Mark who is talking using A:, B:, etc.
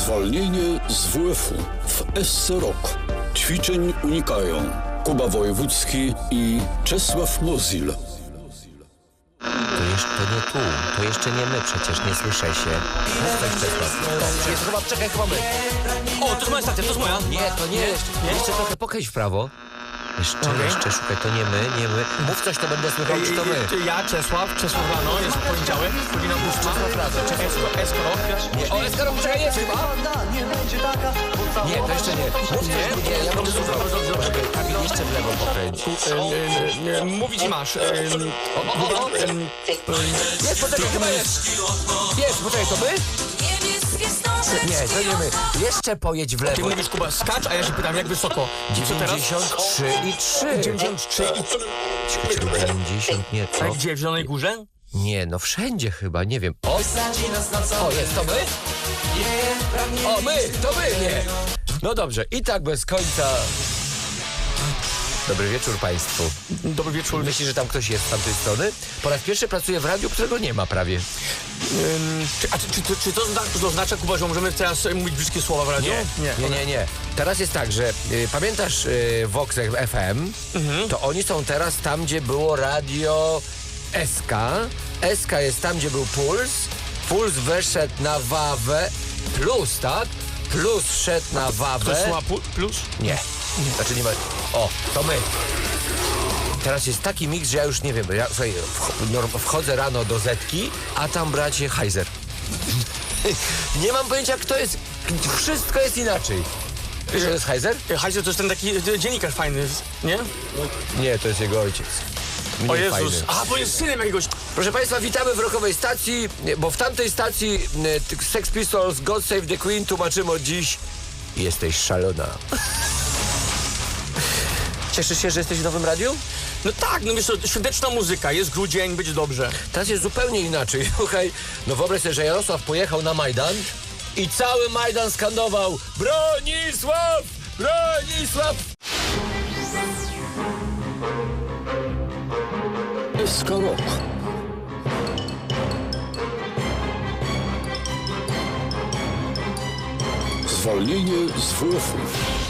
A: Zwolnienie z WF-u w SC Rok. Ćwiczeń unikają Kuba Wojewódzki i Czesław Mozil.
B: To jeszcze nie my, przecież nie słyszę się. Coś Czesław. Czekaj, chyba my.
C: O, to jest moja stacja, to jest moja.
B: Nie, to nie. Jeszcze trochę pokręć w prawo. Jeszcze, szukaj, to nie my. Mów coś, to będę słychał, czy to my.
C: Ja, Czesław rano, jest poniedziałek, godzina 8.
B: Czesław rano,
C: Eskorok.
B: Nie, o, Eskorok, czekaj, jest chyba. Nie, to jeszcze nie. Mów coś, nie, ja będę słuchał. Kamil, jeszcze w lewo pokręć.
C: Mówić masz.
B: Jest, poczekaj, chyba jest. Jest, poczekaj, to my? Nie, to nie my. Jeszcze pojedź w lewo.
C: Ty mówisz, Kuba, skacz, a ja się pytam, jak wysoko? Co teraz?
B: 93,3.
C: 93 i...
B: 90 nieco.
C: A gdzie, w Zielonej Górze?
B: Nie, no wszędzie chyba, nie wiem. O, jest, to my? O, to my, nie. No dobrze, i tak bez końca. Dobry wieczór Państwu.
C: Dobry wieczór.
B: Myślisz, że tam ktoś jest z tamtej strony? Po raz pierwszy pracuję w radiu, którego nie ma prawie.
C: Czy to oznacza, Kuba, że możemy teraz mówić brzydkie słowa w radiu?
B: Nie. Teraz jest tak, że pamiętasz Vox FM? To oni są teraz tam, gdzie było radio SK. SK jest tam, gdzie był Puls. Puls wyszedł na Wawę. Plus, tak? Plus szedł na Wawę.
C: To słowa plus?
B: Nie. Znaczy nie ma... O, to my. Teraz jest taki miks, że ja już nie wiem. Ja słuchaj, wchodzę rano do Zetki, a tam bracie Heiser. Nie mam pojęcia, kto jest. Wszystko jest inaczej. Wiesz, to jest Heiser?
C: Heiser to jest ten taki dziennikarz fajny, nie?
B: Nie, to jest jego ojciec.
C: O Jezus.
B: Fajny.
C: A, bo jest synem jakiegoś...
B: Proszę Państwa, witamy w rockowej stacji, bo w tamtej stacji Sex Pistols, God Save the Queen tłumaczymy od dziś. Jesteś szalona. Cieszysz się, że jesteś w nowym radiu?
C: No tak, no wiesz co, świąteczna muzyka, jest grudzień, będzie dobrze.
B: Teraz jest zupełnie inaczej. Słuchaj, no wyobraź sobie, że Jarosław pojechał na Majdan i cały Majdan skandował Bronisław! Bronisław!
A: SK Rok. Zwolnienie z WF-u.